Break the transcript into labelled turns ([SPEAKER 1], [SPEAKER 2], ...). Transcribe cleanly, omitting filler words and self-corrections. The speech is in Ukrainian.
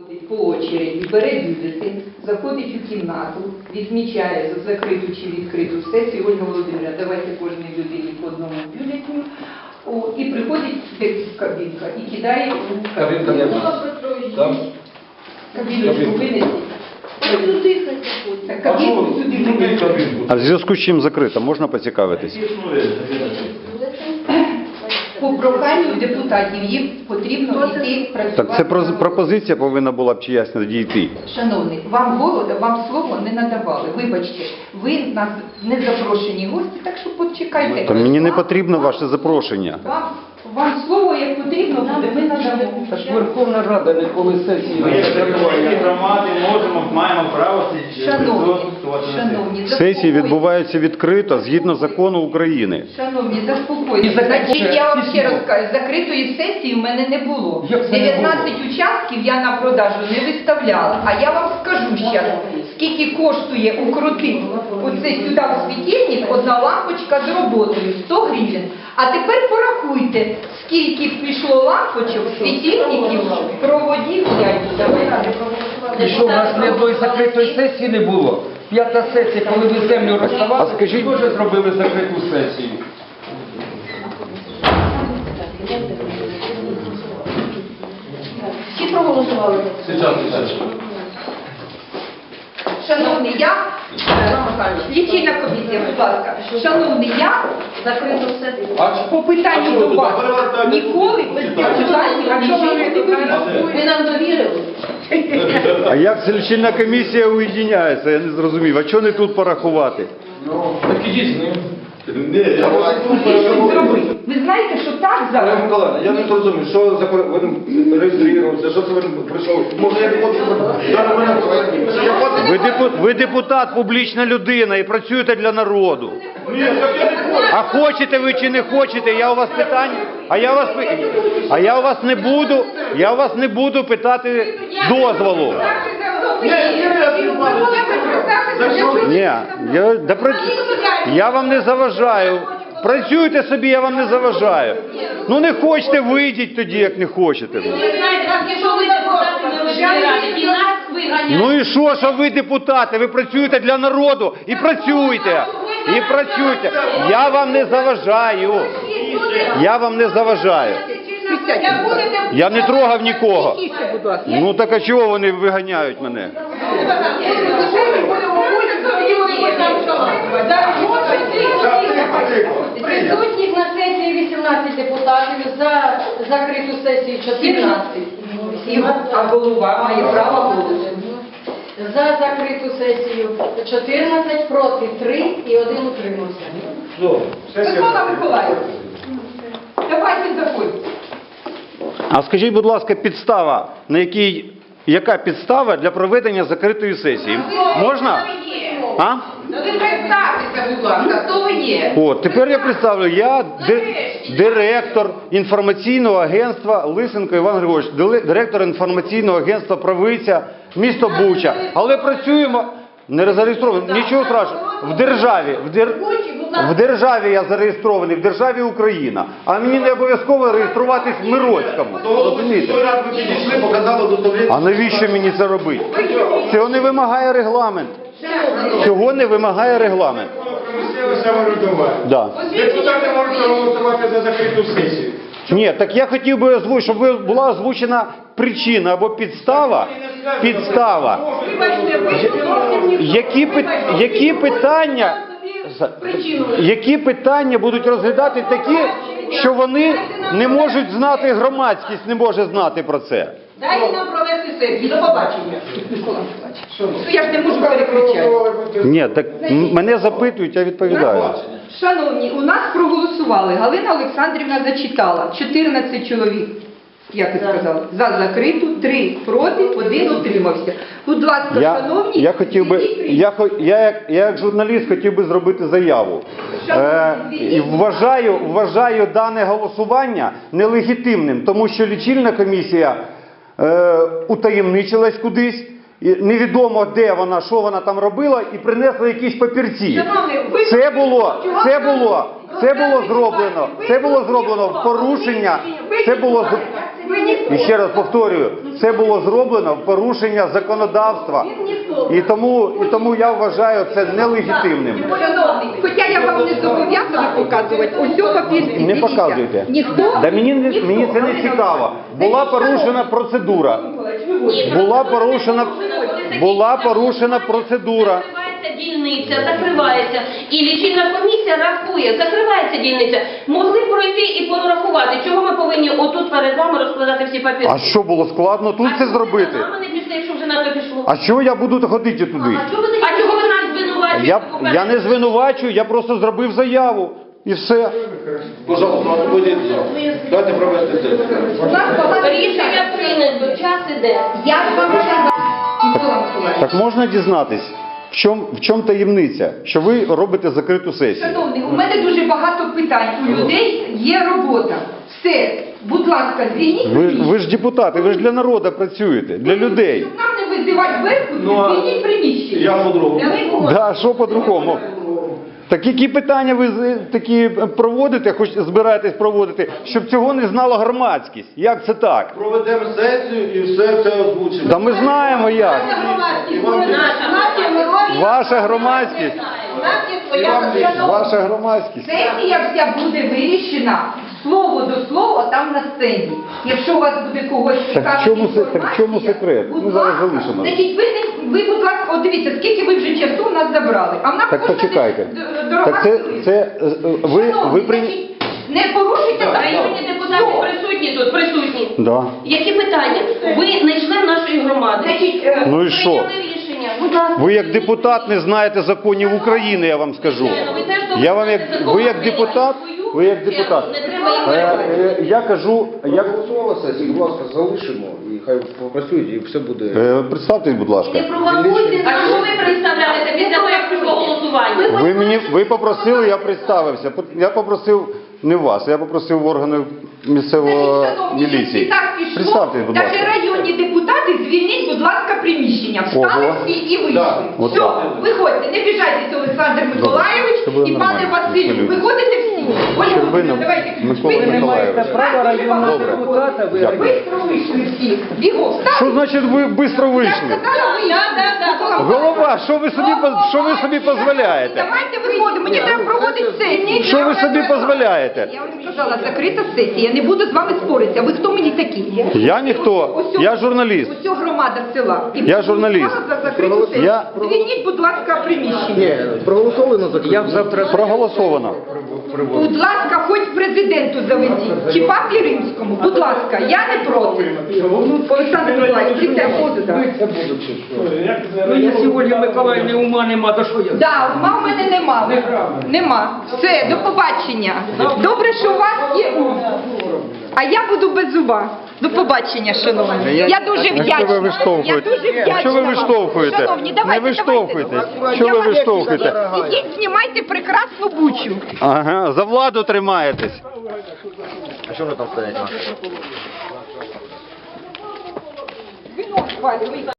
[SPEAKER 1] по очереді, бере бюлетень, заходить у кімнату, відмічає за закриту чи відкриту сесію. Ольга Володимирівна, давайте кожній людині по одному бюлетню. І приходить кабінка і кидає у кабінку. Кабіночку винесіть. Кабінку сюди винесіть.
[SPEAKER 2] А в зв'язку з чим закрита? Можна поцікавитись?
[SPEAKER 1] По проханню депутатів їм потрібно йти працювати.
[SPEAKER 2] Так це пропозиція повинна була б чиясь надійти.
[SPEAKER 1] Шановний, вам слово не надавали. Вибачте, ви нас не запрошені гості, так що почекайте.
[SPEAKER 2] Та мені не потрібно ваше запрошення.
[SPEAKER 1] Вам слово, як потрібно буде, ми надамо.
[SPEAKER 3] Та ж Верховна Рада ніколи сесії
[SPEAKER 4] Ми, як представники громади, маємо право
[SPEAKER 1] Шановні,
[SPEAKER 2] Сесії відбуваються відкрито, згідно закону України.
[SPEAKER 1] Шановні, заспокойтеся. Значить, я вам ще раз кажу, закритої сесії в мене не було.
[SPEAKER 3] Як це не
[SPEAKER 1] 19 участків я на продажу не виставляла. А я вам скажу ще, скільки коштує укрутити оце сюди в світильник одна лампочка з роботою, 100 гривень. А тепер порахуйте, скільки пішло лампочок, світильників, проводів.
[SPEAKER 3] І що, у нас ні одної закритої сесії не було? П'ята сесія, коли ви землю розставали,
[SPEAKER 2] А скажіть-
[SPEAKER 3] теж зробили закриту сесію.
[SPEAKER 1] Всі проголосували. Шановний, я, лічильна комісія, будь ласка, шановний, я закрито все. По питанню до вас ніколи без депутатів, ви нам довірили.
[SPEAKER 2] А як ця лічильна комісія уєдиняється? Я не зрозумів. А чого не тут порахувати?
[SPEAKER 3] Так ідіть з ним.
[SPEAKER 1] Ви знаєте, що так зараз?
[SPEAKER 5] Олег Миколаївна, я не зрозумів, що за він реєструвався, що це він прийшов. Може я не хочу,
[SPEAKER 2] Ви депутат, публічна людина і працюєте для народу. А хочете ви чи не хочете, я у вас питання, я у вас не буду питати дозволу. Ні, я вам не заважаю. Працюйте собі, я вам не заважаю. Ну не хочете, вийдіть тоді, як не хочете. Ну і що ви депутати? Ви працюєте для народу і працюйте. І працюйте. Я вам не заважаю. Я вам не заважаю. Я не трогав нікого. Ну так а чого вони виганяють мене?
[SPEAKER 6] Присутніх на сесії 18 депутатів, за закриту сесію 14.
[SPEAKER 1] А голова має право голосу.
[SPEAKER 6] За закриту сесію 14, проти 3 і 1 утримався.
[SPEAKER 1] Микола Миколаївич, давайте заходьте.
[SPEAKER 2] А скажіть, будь ласка, підстава, яка підстава для проведення закритої сесії? Можна? А?
[SPEAKER 1] Ну ви представтеся, будь ласка, хто ви є?
[SPEAKER 2] О, тепер я представлю, я директор інформаційного агентства Лисенко Іван Григорович, директор інформаційного агентства Правиця, місто Буча. Але працюємо, не зареєстрований, нічого страшного, в державі я зареєстрований, в державі Україна. А мені не обов'язково реєструватись в Мироцькому. Розумієте? А навіщо мені це робити? Цього не вимагає регламент. Цього не вимагає регламент. Да.
[SPEAKER 5] Депутати можуть проголосувати за закриту сесію.
[SPEAKER 2] Ні, так я хотів би озвучити, щоб була озвучена причина або підстава. Які питання будуть розглядати такі, що вони не можуть знати, громадськість не може знати про це.
[SPEAKER 1] Дайте нам провести сесію. До побачення. Микола Миколаївич. Я ж не можу перекричати.
[SPEAKER 2] Ні, так мене запитують, я відповідаю.
[SPEAKER 1] Шановні, у нас проголосували. Галина Олександрівна зачитала. 14 чоловік, як ви сказали, за закриту, 3 проти, 1 утримався. Будь ласка, шановні,
[SPEAKER 2] Я як журналіст хотів би зробити заяву. І вважаю дане голосування нелегітимним, тому що лічильна комісія утаємничилась кудись, і невідомо де вона, що вона там робила, і принесла якісь папірці. Це було зроблено в порушення.
[SPEAKER 1] ви ніхто
[SPEAKER 2] І ще раз повторюю, це було зроблено в порушення законодавства. І тому я вважаю це нелегітимним.
[SPEAKER 1] Шановний, хоча я вам не зобов'язана показувати, ось цього папірці.
[SPEAKER 2] Не показуйте.
[SPEAKER 1] Ніхто?
[SPEAKER 2] Да мені це не цікаво. Була порушена процедура. Була порушена процедура.
[SPEAKER 7] Закривається дільниця, закривається. І лічильна комісія рахує, закривається дільниця. Могли пройти і порахувати. Чого ми повинні отут перед вами розкладати всі папіри?
[SPEAKER 2] А що було складно тут це зробити?
[SPEAKER 7] А ми не пішли, якщо вже на то пішло.
[SPEAKER 2] А чого я буду ходити туди?
[SPEAKER 7] А чого ви нас звинувачуєте?
[SPEAKER 2] Я не звинувачую, я просто зробив заяву. І все.
[SPEAKER 5] Пожалуйста, освободіть зал. Дайте провести сесію.
[SPEAKER 1] У нас багато
[SPEAKER 7] Рішення прийнято, час іде.
[SPEAKER 1] Я ж вам сказала. Микола Миколаївич.
[SPEAKER 2] Так можна дізнатись, в чому таємниця, що ви робите закриту сесію?
[SPEAKER 1] Шановний, у мене дуже багато питань. У людей є робота. Все, будь ласка, звільніть.
[SPEAKER 2] Ви ж депутати, ви ж для народу працюєте, для людей.
[SPEAKER 1] Щоб нам не визивати зверху, звільніть приміщення.
[SPEAKER 5] Я по-другому.
[SPEAKER 2] Да, що по-другому? Так які питання ви такі проводите, хоч збираєтесь проводити, щоб цього не знала громадськість? Як це так?
[SPEAKER 5] Проведемо сесію і все це озвучимо.
[SPEAKER 2] Та ми знаємо як. Ваша громадськість. Ваша громадськість.
[SPEAKER 1] Сесія вся буде вирішена слово до слова там на сцені. Якщо у вас буде когось цікавити
[SPEAKER 2] Так в чому секрет? Ми зараз залишимо.
[SPEAKER 1] Значить, ви, будь ласка, от дивіться, скільки ви вже часу в нас забрали. А в нас
[SPEAKER 2] Так
[SPEAKER 1] кожна
[SPEAKER 2] почекайте.
[SPEAKER 1] дорога
[SPEAKER 2] Так це ви
[SPEAKER 1] Шановні,
[SPEAKER 2] прийняли.
[SPEAKER 1] значить, не порушуйте
[SPEAKER 7] Районні депутати присутні тут, присутні.
[SPEAKER 2] Да.
[SPEAKER 7] Які питання? Ви не член нашої громади.
[SPEAKER 1] Значить,
[SPEAKER 2] Ну і що?
[SPEAKER 7] Прийняли рішення. Будь ласка.
[SPEAKER 2] Ви як депутат не знаєте законів України, я вам скажу. Я вам ви як депутат,
[SPEAKER 7] Не треба їх
[SPEAKER 2] я
[SPEAKER 5] Голосувала сесію, будь ласка, залишимо і хай попрацюють, і все буде.
[SPEAKER 2] представтесь, будь ласка.
[SPEAKER 7] Не провокуйте. А чого ви представляєте після того, як прийшло голосування?
[SPEAKER 2] Ви попросили, я представився. Я попросив не вас, я попросив органи місцевого міліції. Представтесь, будь
[SPEAKER 1] Навіть
[SPEAKER 2] ласка.
[SPEAKER 1] районні депутати, звільніть, будь ласка, приміщення. Встали
[SPEAKER 2] Ого.
[SPEAKER 1] всі і вийшли.
[SPEAKER 5] Да,
[SPEAKER 2] от
[SPEAKER 1] Все,
[SPEAKER 2] так.
[SPEAKER 1] виходьте, не біжайтеся, Олександр Миколайович
[SPEAKER 2] Це буде
[SPEAKER 1] і пане
[SPEAKER 2] нормально,
[SPEAKER 1] Василю.
[SPEAKER 2] абсолютно.
[SPEAKER 1] Виходите всі. Ольга
[SPEAKER 2] Щербина
[SPEAKER 1] Володимирівна, давайте.
[SPEAKER 2] Микола
[SPEAKER 1] швидко.
[SPEAKER 2] Миколайович.
[SPEAKER 3] Права районного
[SPEAKER 2] Добре.
[SPEAKER 3] депутата ви
[SPEAKER 1] Бистро вийшли всі. Бігом, встали.
[SPEAKER 2] Що значить ви швидко
[SPEAKER 1] Я
[SPEAKER 2] вийшли?
[SPEAKER 1] сказала, вийшли. Микола
[SPEAKER 2] Голова, що ви собі дозволяєте?
[SPEAKER 1] Давайте виходимо, мені треба проводити сесію.
[SPEAKER 2] Що ви собі дозволяєте?
[SPEAKER 1] Я вам сказала, закрита сесія, я не буду з вами споритися. Ви хто мені такі?
[SPEAKER 2] Я ніхто, я журналіст.
[SPEAKER 1] Усьо громада села. І
[SPEAKER 2] Я журналіст.
[SPEAKER 1] за закриту сесію.
[SPEAKER 2] Я-
[SPEAKER 1] Звільніть, будь ласка, приміщення.
[SPEAKER 5] Ні, проголосовано за
[SPEAKER 3] Я завтра
[SPEAKER 2] Проголосовано.
[SPEAKER 1] Будь ласка, хоч президенту заведіть, чи папі римському, будь ласка, я не проти. Олександр Миколаївич, приходу, так.
[SPEAKER 3] Ну, якщо Ольги Миколаївни ума нема, то що я?
[SPEAKER 1] Да, ума в мене нема. Нема. Все, до побачення. Добре, що у вас є ум. А я буду без зуба. До побачення, шановні. Я дуже вдячна.
[SPEAKER 2] Якщо ви виштовхуєте,
[SPEAKER 1] Я дуже вдячна
[SPEAKER 2] якщо ви
[SPEAKER 1] вам.
[SPEAKER 2] виштовхуєте,
[SPEAKER 1] Шановні, давайте,
[SPEAKER 2] не виштовхуйте.
[SPEAKER 1] давайте.
[SPEAKER 2] Що
[SPEAKER 1] Я
[SPEAKER 2] ви
[SPEAKER 1] вас-
[SPEAKER 2] виштовхуєте?
[SPEAKER 1] Ідіть, знімайте прекрасну бучу.
[SPEAKER 2] Ага, за владу тримаєтесь.
[SPEAKER 5] А що ви там стоять?
[SPEAKER 1] Вино, Валь,